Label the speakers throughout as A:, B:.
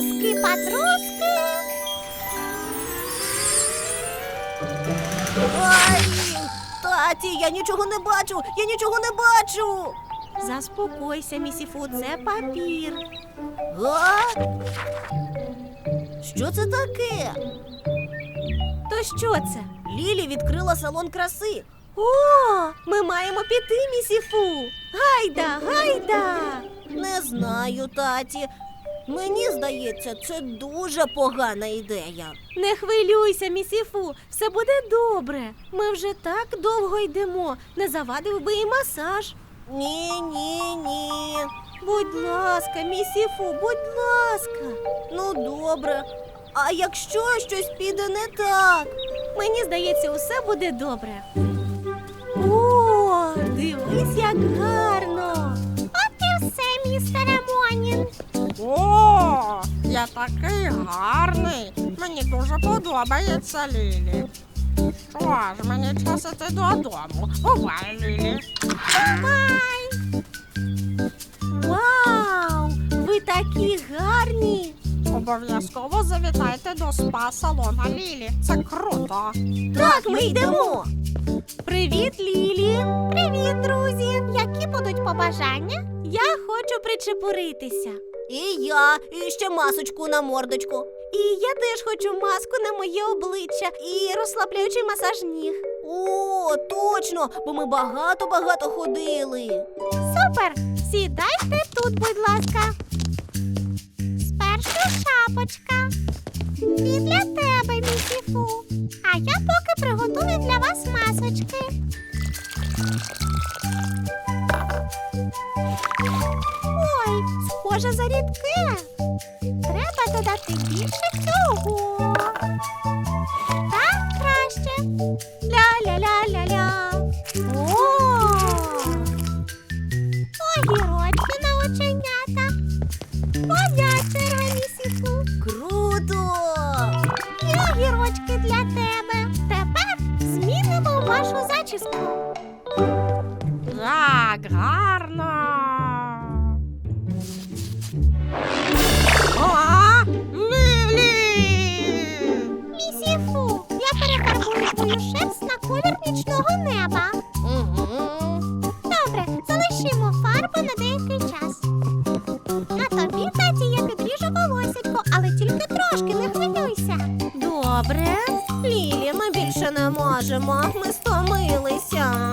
A: Труски-патруски.
B: Ай! Таті, я нічого не бачу! Я нічого не бачу!
A: Заспокойся, місіфу, це папір.
B: А? Що це таке?
A: То що це?
B: Лілі відкрила салон краси.
A: О, ми маємо піти, місіфу. Гайда, гайда.
B: Не знаю, таті. Мені здається, це дуже погана ідея.
A: Не хвилюйся, місіфу, все буде добре. Ми вже так довго йдемо. Не завадив би і масаж.
B: Ні.
A: Будь ласка, місіфу, будь ласка.
B: Ну, добре. А якщо щось піде не так?
A: Мені здається, усе буде добре. О, дивись, як гарно. От і все, містере Монін.
C: О, я такий гарний. Мені дуже подобається, Лілі. Що ж, мені час іти додому. Бувай, Лілі.
A: Бувай! Вау! Ви такі гарні!
C: Обов'язково завітайте до спа-салона Лілі. Це круто.
B: Так, ми йдемо.
A: Привіт, Лілі! Привіт, друзі! Які будуть побажання? Я хочу причепуритися.
B: І я, і ще масочку на мордочку.
A: І я теж хочу маску на моє обличчя і розслабляючий масаж ніг.
B: О, точно, бо ми багато ходили.
A: Супер! Сідайте тут, будь ласка. Спершу шапочка. І для тебе, місіфу. А я поки приготую для вас масочки. Ой, схоже за рідке. Треба додати більше цього. Так краще. Ля-ля-ля-ля-ля. О! Огірочки на оченята. Моя черга, місіфу.
B: Круто!
A: І огірочки для тебе. Тепер змінимо вашу зачіску.
C: Як гарно. О, Лілі!
A: Місіфу, я перефарбую твою шерсть на колір нічного неба.
B: Угу.
A: Добре, залишимо фарбу на деякий час. А тобі, таті, я підріжу волосятко, але тільки трошки, не хвилюйся.
B: Добре. Лілі, ми більше не можемо. Ми стомилися.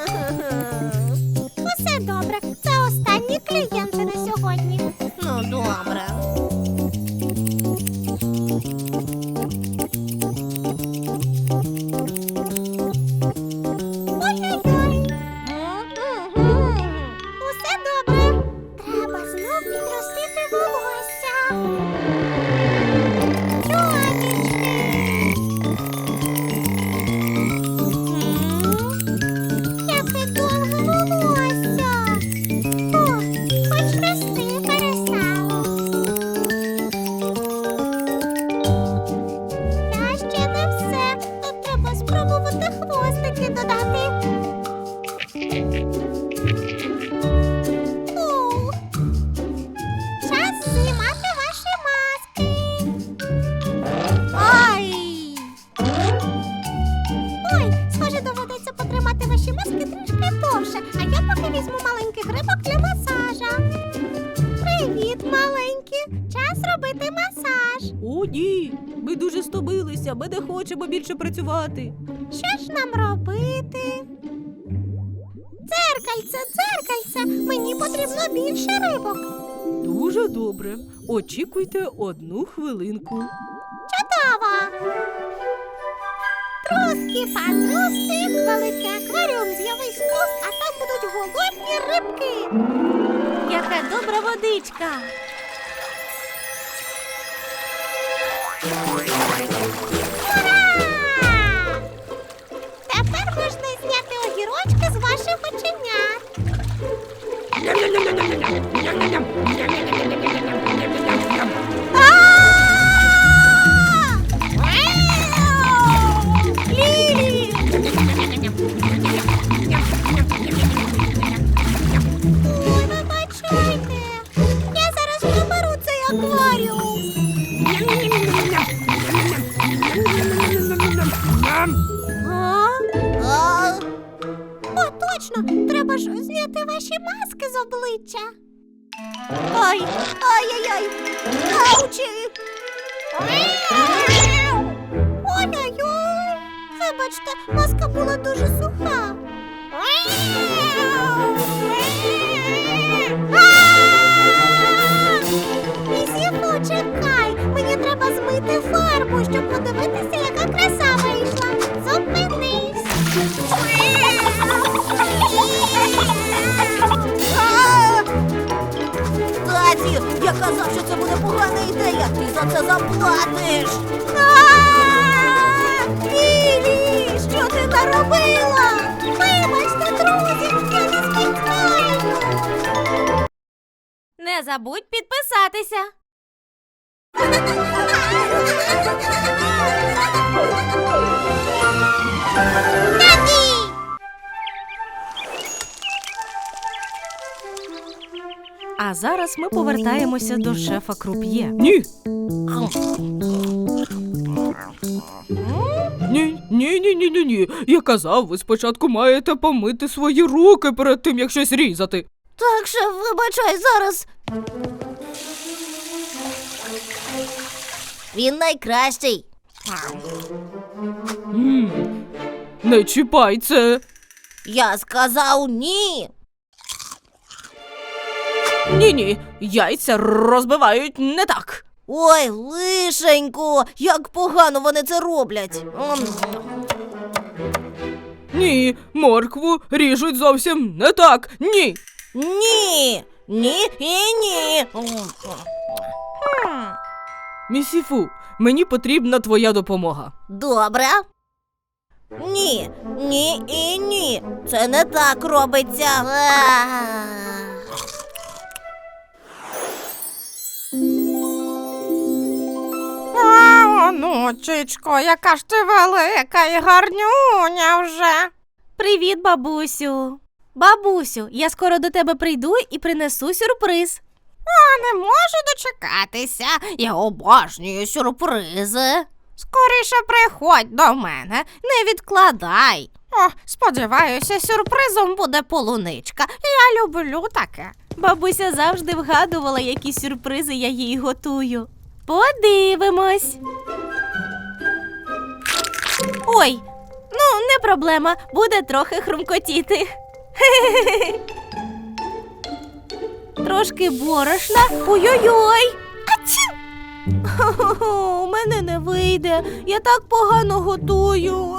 A: Усе добре, це останні клієнти на сьогодні.
B: Ну, добре.
A: Ой-ой-ой. Усе добре. Треба знов підростити волосся. Чобічки. Яке довге волосся. О, хоч рости перестало. Та ще не все. Тут треба спробувати хвостики додати. Ух. Час знімати ваші маски.
B: Ай!
A: Ой, схоже, доведеться потримати ваші маски трішки довше, а я поки візьму маленький грибок для масажа. Привіт, маленькі! Час робити масаж.
B: О, ні. Ми дуже стомилися. Ми не хочемо більше працювати.
A: Що ж нам робити? Дзеркальце, дзеркальце, мені потрібно більше рибок.
B: Дуже добре. Очікуйте 1 хвилинку.
A: Чудово! Труски-патруски, великий акваріум з'явись тут, а там будуть голодні рибки. Яка добра водичка. Ура! Тепер можна зняти огірочки з ваших оченят. Лілі! Ой, вибачайте. Я зараз приберу цей акваріум.
B: А?
A: О, точно! Треба ж зняти ваші маски з обличчя.
B: Ай! Ай-яй-яй! Аучі!
A: Ой-ой-ой! Вибачте, маска була дуже суха. Місіфу, чекай! Мені треба змити фарбу, щоб подивитися, яка краса вийшла. Зупинись!
B: Таті, я казав, що це буде погана ідея. Ти за це заплатиш.
A: Лілі, що ти наробила? Вибачте, друзі, я не спеціально.
D: Не забудь підписатися. А зараз ми повертаємося до шефа Круп'є.
E: Ні. Ні. Я казав, ви спочатку маєте помити свої руки перед тим, як щось різати.
B: Так, шеф, вибачай, зараз. Він найкращий.
E: Не чіпай це.
B: Я сказав ні.
E: Ні, яйця розбивають не так.
B: Ой, лишенько, як погано вони це роблять.
E: Ні, моркву ріжуть зовсім не так. Ні.
B: Ні, ні і ні.
E: Місіфу, мені потрібна твоя допомога.
B: Добре. Ні, ні і ні. Це не так робиться.
C: Онучечко, яка ж ти велика і гарнюня вже.
D: Привіт, бабусю. Бабусю, я скоро до тебе прийду і принесу сюрприз.
C: Не можу дочекатися. Я обожнюю сюрпризи. Скоріше приходь до мене, не відкладай. О, сподіваюся, сюрпризом буде полуничка. Я люблю таке.
D: Бабуся завжди вгадувала, які сюрпризи я їй готую. Подивимось. Ой, ну не проблема, буде трохи хрумкотіти. Трошки борошна. Ой-ой-ой. Ачу! Хо-хо-хо, у мене не вийде. Я так погано готую.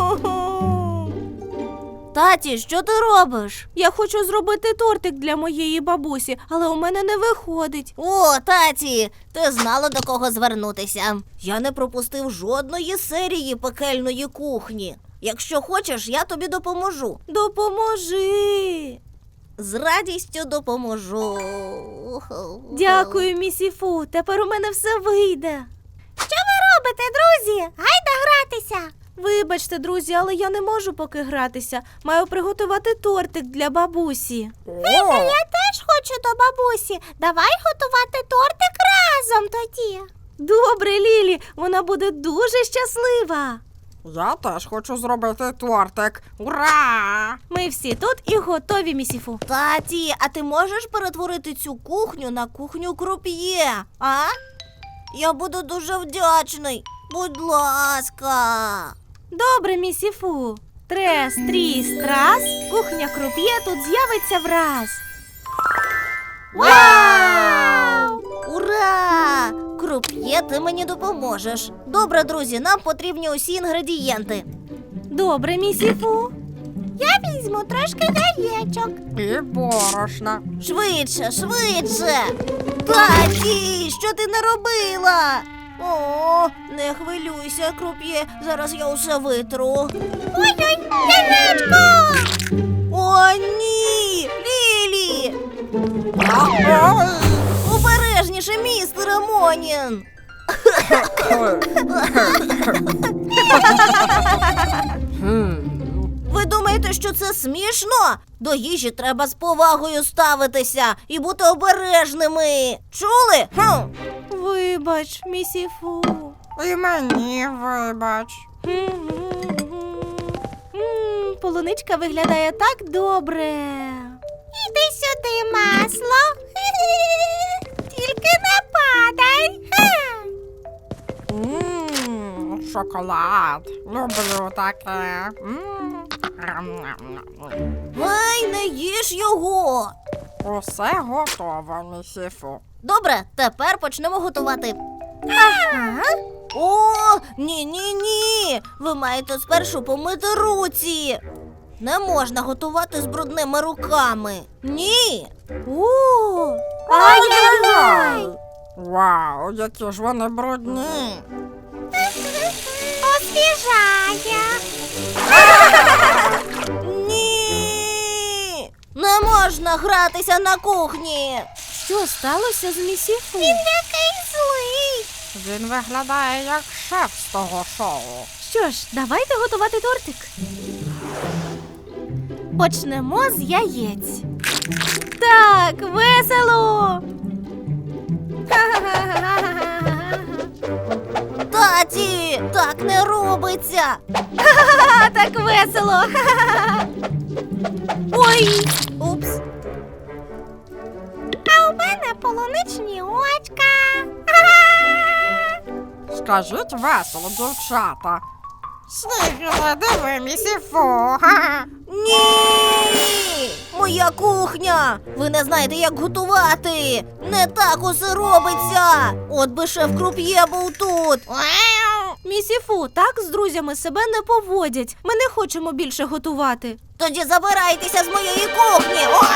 B: Таті, що ти робиш?
D: Я хочу зробити тортик для моєї бабусі, але у мене не виходить.
B: О, таті, ти знала, до кого звернутися. Я не пропустив жодної серії пекельної кухні. Якщо хочеш, я тобі допоможу.
D: Допоможи.
B: З радістю допоможу.
D: Дякую, місіфу. Тепер у мене все вийде.
A: Що ви робите, друзі? Гайда гратися.
D: Вибачте, друзі, але я не можу поки гратися. Маю приготувати тортик для бабусі.
A: Віка, я теж хочу до бабусі. Давай готувати тортик разом тоді.
D: Добре, Лілі, вона буде дуже щаслива.
C: Я теж хочу зробити тортик. Ура!
D: Ми всі тут і готові, місіфу.
B: Таті, а ти можеш перетворити цю кухню на кухню круп'є, а? Я буду дуже вдячний. Будь ласка.
D: Добре, місіфу. Трес, тріс, трас. Кухня круп'є тут з'явиться враз.
B: Вау! Ура! Круп'є, ти мені допоможеш. Добре, друзі, нам потрібні усі інгредієнти.
D: Добре, місіфу.
A: Я візьму трошки яєчок.
C: І борошна.
B: Швидше, швидше! Таті, що ти наробила? О, не хвилюйся, круп'є, зараз я усе витру.
A: Ой-ой, яєчко!
B: О, ні! Лілі! Обережніше, містер Монін! Ви думаєте, що це смішно? До їжі треба з повагою ставитися і бути обережними. Чули?
D: Вибач, місіфу.
C: І мені вибач.
D: Полуничка виглядає так добре.
A: Іди сюди, масло. Тільки не падай.
C: Шоколад. Люблю таке.
B: Ай, не їж його.
C: Усе готово, місіфу.
B: Добре, тепер почнемо готувати. О, ні. Ви маєте спершу помити руці. Не можна готувати з брудними руками. Ні.
D: Ай-яй-яй!
C: Вау, які ж вони брудні.
A: Освіжає.
B: Ні. Не можна гратися на кухні.
D: Що сталося з місіфу?
A: Який злий.
C: Він виглядає як шеф з того шоу.
D: Що ж, давайте готувати тортик. Почнемо з яєць. Так, весело!
B: Таті, так не робиться.
D: Ха, так весело! Ой!
B: Упс.
A: А у мене полуничні очка.
C: Скажіть весело, дівчата. Снігіле, диви, місіфу.
B: Ні! Моя кухня! Ви не знаєте, як готувати! Не так усе робиться! От би шеф Круп'є був тут!
D: Місіфу, так з друзями себе не поводять. Ми не хочемо більше готувати.
B: Тоді забирайтеся з моєї кухні! О!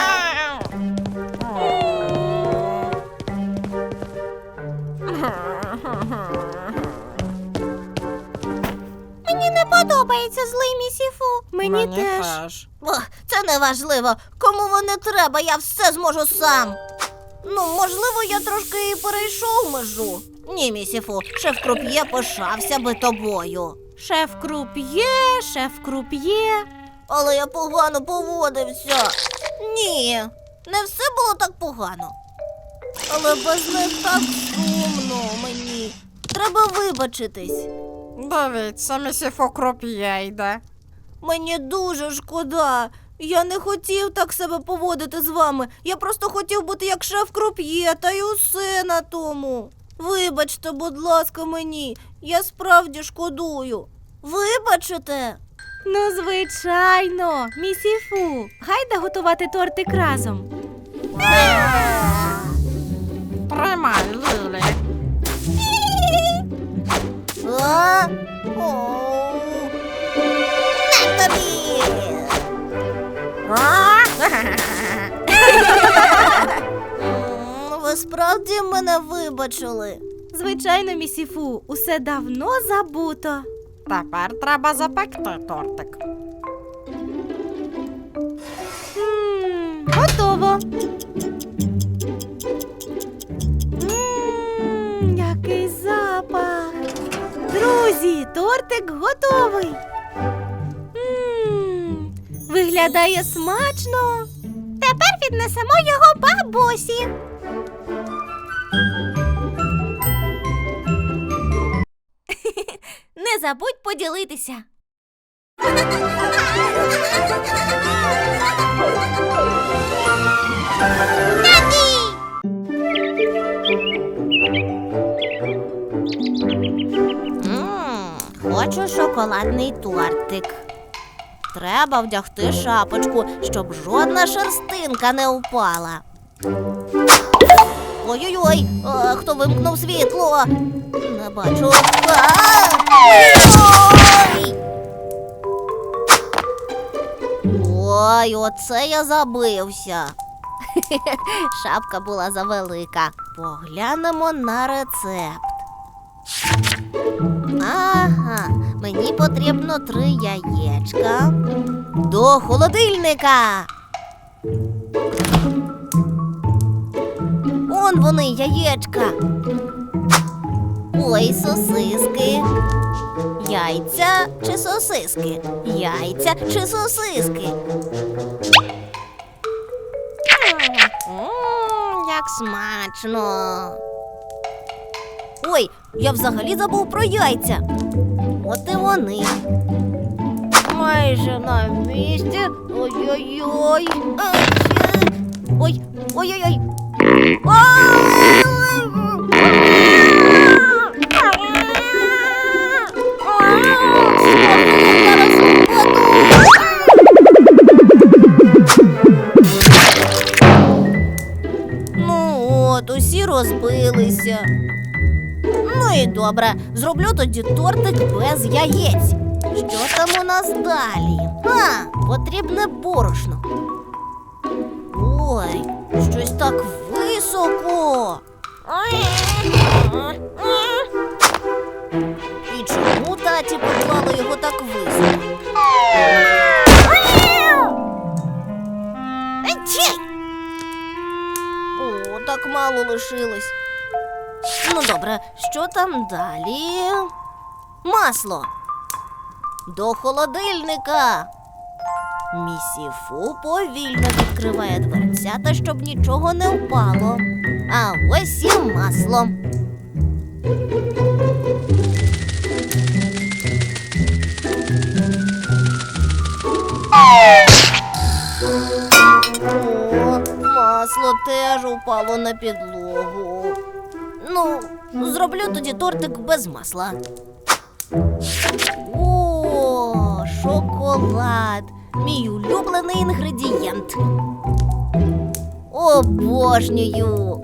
A: Мені не подобається злий місіфу.
D: Мені теж.
B: Ох, це не важливо. Кому воно треба, я все зможу сам. Ну, можливо, я трошки і перейшов межу. Ні, місіфу, шеф Круп'є пишався би тобою.
D: Шеф Круп'є.
B: Але я погано поводився. Ні, не все було так погано. Але без них так сумно мені. Треба вибачитись.
C: Дивіться, місіфу Круп'є йде.
B: Мені дуже шкода. Я не хотів так себе поводити з вами. Я просто хотів бути як шеф Круп'є, та й усе на тому. Вибачте, будь ласка, мені. Я справді шкодую. Вибачите?
D: Ну, звичайно, місіфу. Гайда готувати тортик разом.
C: Тримай, Лілі.
B: А? О. На тобі! Ви справді мене вибачили?
D: Звичайно, місіфу, усе давно забуто.
C: Тепер треба запекти тортик.
D: Готово. Який запах. Друзі, тортик готовий. Виглядає смачно.
A: Тепер віднесемо його бабусі.
D: Не забудь поділитися.
B: Хочу шоколадний тортик. Треба вдягти шапочку, щоб жодна шерстинка не впала. Ой-ой-ой, хто вимкнув світло? Не бачу. Ой! Ой, оце я забився. Шапка була завелика. Поглянемо на рецепт. Ага, мені потрібно 3 яєчка. До холодильника. Он вони, яєчка. Ой, сосиски. Яйця чи сосиски? Яйця чи сосиски? Як смачно. Ой, я взагалі забув про яйця. От і вони. Майже на місці. Ой-ой-ой. Ой, ой-ой-ой. Ну от, усі розбилися. Ну і добре, зроблю тоді тортик без яєць. Що там у нас далі? Потрібне борошно. Ой, щось так високо. І чому таті поклали його так високо? О, так мало лишилось. Ну добре, що там далі? Масло. До холодильника. Місіфу повільно відкриває дверцята, щоб нічого не впало. А ось і масло. О, масло теж упало на підлогу. Ну, зроблю тоді тортик без масла. О, шоколад. Мій улюблений інгредієнт. Обожнюю.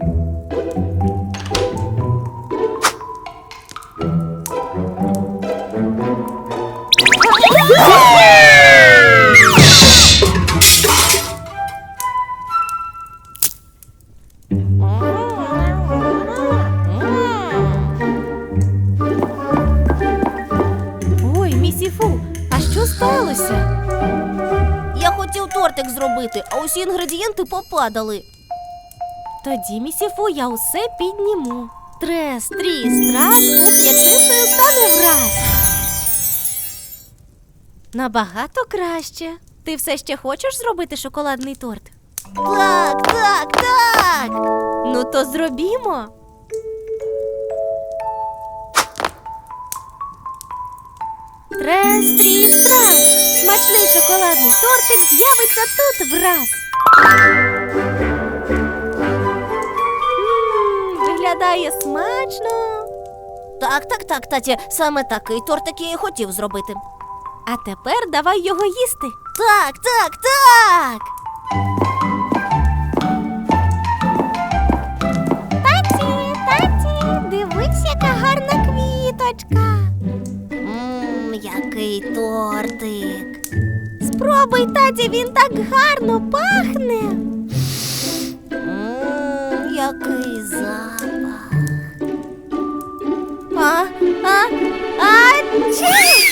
D: Ой, місіфу, а що сталося?
B: Я хотів тортик зробити, а усі інгредієнти попадали.
D: Тоді, місіфу, я усе підніму. Трес, тріс, трас, кухня чистою стане враз. Набагато краще. Ти все ще хочеш зробити шоколадний торт?
B: Так, так, так.
D: Ну то зробімо. Трес, тріс, трас. Смачний шоколадний тортик з'явиться тут враз. Виглядає смачно.
B: Так, таті, саме такий тортик я і хотів зробити.
D: А тепер давай його їсти.
B: Так, так, так.
A: Таті, дивись, яка гарна квіточка.
B: Який тортик.
A: Спробуй, таті, він так гарно пахне.
B: Який запах.
A: Чі!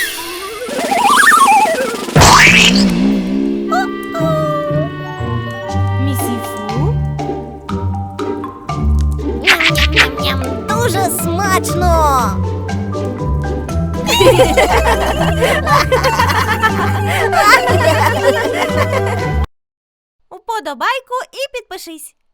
D: Місіфу?
B: Ням-ням-ням, дуже смачно.
D: Уподобайку і підпишись.